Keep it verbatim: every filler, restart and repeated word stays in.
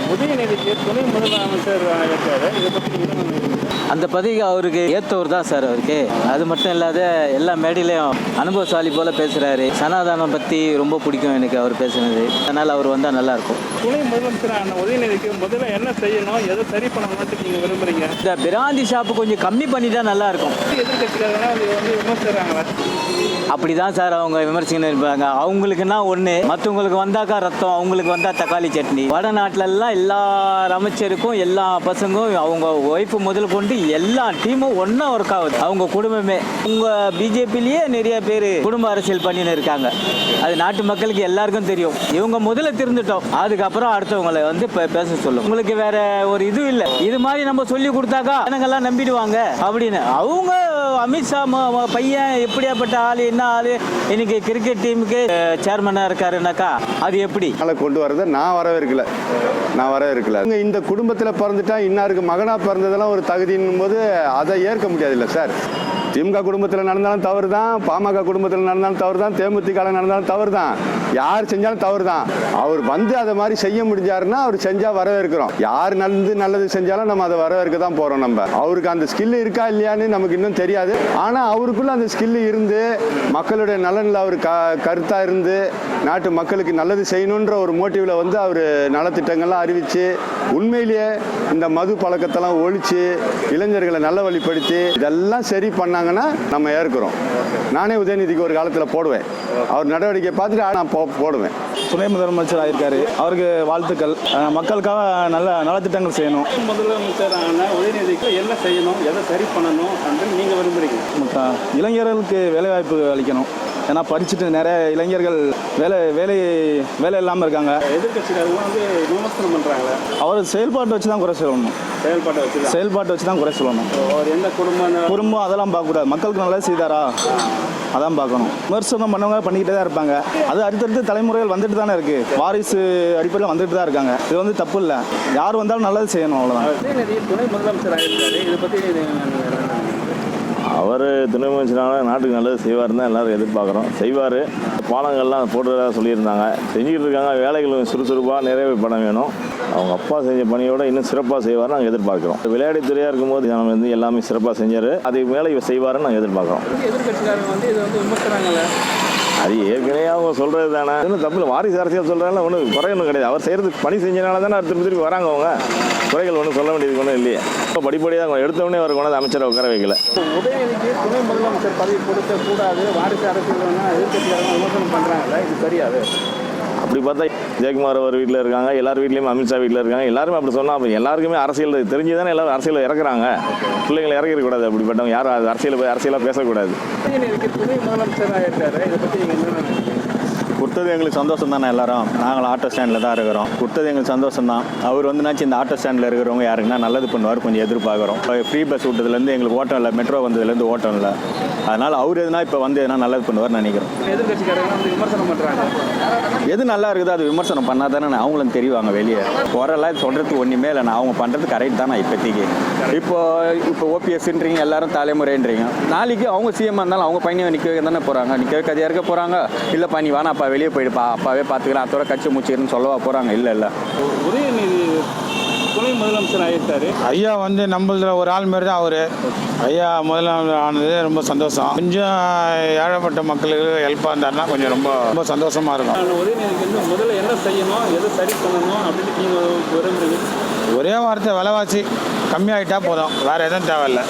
உதயநிதிக்கு துணை முதலமைச்சர் இருக்காரு. இதை பற்றி நீங்க என்ன நினைக்கிறீங்க? அந்த பதவிக்கு அவருக்கு ஏற்றவர் தான் சார் அவருக்கு. அது மட்டும் இல்லாத எல்லா மேடையிலையும் அனுபவசாலி போல பேசுகிறாரு. சனாதானம் பற்றி ரொம்ப பிடிக்கும் எனக்கு அவர் பேசுனது. அதனால் அவர் வந்தால் நல்லாயிருக்கும். துணை முதலமைச்சரான உதயநிதிக்கு முதல்ல என்ன செய்யணும், எதை சரி பண்ணணும்னு நீங்கள் விரும்புகிறீங்க? இந்த பிராந்தி ஷாப்பு கொஞ்சம் கம்மி பண்ணிட்டா நல்லாயிருக்கும். எதிர்கட்சிக்காரங்கன்னா அது வந்து விமர்சிக்கிறாங்களா? அப்படி தான் சார் அவங்க விமர்சனம் இருப்பாங்க. அவங்களுக்குன்னா ஒன்று, மற்றவங்களுக்கு வந்தாக்கா ரத்தம், அவங்களுக்கு வந்தால் தக்காளி சட்னி. வடநாட்டிலெல்லாம் எல்லா அமைச்சருக்கும் எல்லா பசங்களும் அவங்க ஒய்ஃபு முதல் கொண்டு எல்லா டீமும் ஒன்றா ஒர்க் ஆகுது. அவங்க குடும்பமே உங்கள் பிஜேபிலேயே நிறைய பேர் குடும்ப அரசியல் பண்ணின்னு இருக்காங்க. அது நாட்டு மக்களுக்கு எல்லாருக்கும் தெரியும். இவங்க முதல்ல திருந்துட்டோம், அதுக்கப்புறம் அடுத்தவங்களை வந்து பேச சொல்லும். உங்களுக்கு வேற ஒரு இது இல்லை. இது மாதிரி நம்ம சொல்லி கொடுத்தாக்கா ஜனங்கள்லாம் நம்பிடுவாங்க அப்படின்னு. அவங்க அமித்ஷா பையன் எப்படியாப்பட்ட ஆள், என்ன ஆளு, இன்னைக்கு கிரிக்கெட் டீமுக்கு சேர்மனா இருக்காருனாக்கா அது எப்படி கொண்டு வரதை நான் வரவேற்கல நான் வரவேற்கல இந்த குடும்பத்தில் பிறந்துட்டா இன்னாருக்கு மகனா பிறந்ததெல்லாம் ஒரு தகுதியின் போது அதை ஏற்க முடியாது இல்லை சார். திமுக குடும்பத்தில் நடந்தாலும் தவறு தான், பாமக குடும்பத்தில் நடந்தாலும் தவறு தான், தேமுதிக நடந்தாலும் தவறு தான், யார் செஞ்சாலும் தவறு தான். அவர் வந்து அதை மாதிரி செய்ய முடிஞ்சாருன்னா அவர் செஞ்சால் வரவேற்கிறோம். யார் நல்லது நல்லது செஞ்சாலும் நம்ம அதை வரவேற்க தான் போகிறோம். நம்ம அவருக்கு அந்த ஸ்கில் இருக்கா இல்லையான்னு நமக்கு இன்னும் தெரியாது. ஆனால் அவருக்குள்ள அந்த ஸ்கில் இருந்து மக்களுடைய நலனில் அவர் க கருத்தாக இருந்து நாட்டு மக்களுக்கு நல்லது செய்யணுன்ற ஒரு மோட்டிவில் வந்து அவர் நலத்திட்டங்கள்லாம் அறிவித்து உண்மையிலேயே இந்த மது பழக்கத்தெல்லாம் ஒழித்து இளைஞர்களை நல்ல வழிப்படுத்தி இதெல்லாம் சரி பண்ணாங்கன்னா நம்ம ஏற்கிறோம். நானே உதயநிதிக்கு ஒரு காலத்தில் போடுவேன். அவர் நடவடிக்கை பார்த்துட்டு நான் போ போடுவேன் துணை முதலமைச்சர் ஆயிருக்காரு, அவருக்கு வாழ்த்துக்கள். மக்களுக்காக நல்ல நலத்திட்டங்கள் செய்யணும். முதலமைச்சரான உதயநிதிக்கு என்ன செய்யணும், எதை சரி பண்ணணும் அப்படின்னு நீங்கள் விரும்புகிறீங்க? இளைஞர்களுக்கு வேலைவாய்ப்பு அளிக்கணும். ஏன்னா படிச்சுட்டு நிறைய இளைஞர்கள் வேலை வேலை வேலை இல்லாமல் இருக்காங்க. எதிர்கட்சிக்காரங்க வந்து விமர்சனம் பண்ணுறாங்க. அவர் செயல்பாட்டை வச்சு தான் குறை சொல்லணும். செயல்பாட்டை வச்சு செயல்பாட்டை வச்சு தான் குறை சொல்லணும். அவர் எந்த குடும்பம் குடும்பம் அதெல்லாம் பார்க்கக்கூடாது. மக்களுக்கு நல்லா செய்தாரா அதான் பார்க்கணும். விமர்சனம் பண்ணவங்க பண்ணிக்கிட்டே தான் இருப்பாங்க. அது அடுத்தடுத்து தலைமுறைகள் வந்துட்டு தானே இருக்கு. வாரிசு அடிப்படையில் வந்துட்டு தான் இருக்காங்க. இது வந்து தப்பு இல்லை. யார் வந்தாலும் நல்லது செய்யணும், அவ்வளோதான். துணை முதலமைச்சர் ஆகிருக்காரு, இதை பற்றி அவர் துணை முதலமைச்சரான நாட்டுக்கு நல்லது செய்வார்னு தான் எல்லோரும் எதிர்பார்க்குறோம். செய்வார். பாலங்கள்லாம் போட்டுறதாக சொல்லியிருந்தாங்க, செஞ்சுக்கிட்டு இருக்காங்க. வேலைகள் சுறுசுறுப்பாக நிறைவே பண்ண வேணும். அவங்க அப்பா செஞ்ச பணியோட இன்னும் சிறப்பாக செய்வார்னு நாங்கள் எதிர்பார்க்குறோம். விளையாட்டுத்துறையாக இருக்கும்போது நம்ம வந்து எல்லாமே சிறப்பாக செஞ்சார். அதுக்கு மேலே இவர் செய்வார்னு நாங்கள் எதிர்பார்க்குறோம். எதிர்கட்சிக்காரங்க வந்து இதை வந்து விமர்சனங்கள அது ஏற்கனவே அவங்க சொல்கிறது தானே. இன்னும் தப்பு. வாரிசு அரசியல் சொல்கிறாங்க, ஒன்றும் குறையொன்றும் கிடையாது. அவர் செய்கிறது பணி செஞ்சனால தானே திருப்பி திருப்பி வராங்க. அவங்க குறைகள் ஒன்றும் சொல்ல வேண்டியது ஒன்றும் இல்லையே. இப்போ படிப்படியாக எடுத்தவொடனே அவர் கொண்டாந்து அமைச்சரை உட்கார வைக்கல. உதயநிதிக்கு துணை முதலமைச்சர் பதவி கொடுக்க கூடாது, வாரிசு அரசியல் எதிர்கட்சிக்காரங்க விமர்சனம் பண்ணுறாங்கல்ல, இது சரியாது? அப்படி பார்த்தா ஜெயக்குமார் அவர் வீட்டில் இருக்காங்க, எல்லார் வீட்லேயும் அமித்ஷா வீட்டில் இருக்காங்க. எல்லாருமே அப்படி சொன்னால் அப்போ எல்லாருக்குமே அரசியல் தெரிஞ்சு தானே எல்லாரும் அரசியல் இறக்குறாங்க. பிள்ளைங்களை இறக்கிடக்கூடாது. அப்படிப்பட்டவங்க யாரும் அது அரசியல் போய் அரசியலாக பேசக்கூடாது. துணை முதலமைச்சராக இருக்காரு, இதை பற்றி நீங்கள் என்ன நினைக்கிறீங்க? கொடுத்தது எங்களுக்கு சந்தோஷம் தானே. எல்லாரும் நாங்கள் ஆட்டோ ஸ்டாண்டில் தான் இருக்கிறோம். கொடுத்தது எங்களுக்கு சந்தோஷம் தான். அவர் வந்துனாச்சு இந்த ஆட்டோ ஸ்டாண்டில் இருக்கிறவங்க யாருக்குன்னா நல்லது பண்ணுவார், கொஞ்சம் எதிர்பார்க்குறோம். ஃப்ரீ பஸ் விட்டதுலேருந்து எங்களுக்கு ஓட்டம் இல்லை, மெட்ரோ வந்ததுலேருந்து ஓட்டம் இல்லை. அதனால் அவர் எதுனா இப்போ வந்து எதுனா நல்லது பண்ணுவார் நினைக்கிறோம். எதிர்கட்சிக்காரங்க வந்து விமர்சனம் பண்ணுறாங்க. எது நல்லா இருக்குது அது விமர்சனம் பண்ணால் தானே அவங்களும் தெரிவாங்க. வெளியே குறைலாம் சொல்கிறதுக்கு ஒன்றுமே இல்லை. நான் அவங்க பண்ணுறது கரெக்ட் தானே இப்போதைக்கு. இப்போ இப்போ ஓபிஎஸ்ன்றீங்க, எல்லாரும் தலைமுறைன்றீங்க. நாளைக்கு அவங்க சிஎம் இருந்தாலும் அவங்க பையனை நிற்க வைக்க தானே போகிறாங்க. நிற்க வைக்க கதையாக இருக்க போகிறாங்க. இல்லை பண்ணி வேணா அப்பா வெளியே போயிடுப்பா, அப்பாவே பார்த்துக்கிறேன், அத்தோட கட்சி முடிச்சுக்கிறேன்னு சொல்லவா போகிறாங்க? இல்லை இல்லை உதயநிதி துணை முதலமைச்சர் ஆகிட்டாரு. ஐயா வந்து நம்மள ஒரு ஆள் மாரி தான் அவர். ஐயா முதலமைச்சர் ஆனது ரொம்ப சந்தோஷம். கொஞ்சம் ஏழைப்பட்ட மக்களுக்கு ஹெல்ப்பாக இருந்தாருன்னா கொஞ்சம் ரொம்ப ரொம்ப சந்தோஷமாக இருக்கும். உதயநிதிக்கு வந்து முதல்ல என்ன செய்யணும், எதை சரி பண்ணணும் அப்படின்னு நீங்கள் விரும்புகிறீங்க? ஒரே வார்த்தை, விலைவாசி கம்மியாகிட்டா போதும், வேறு எதுவும் தேவையில்லை.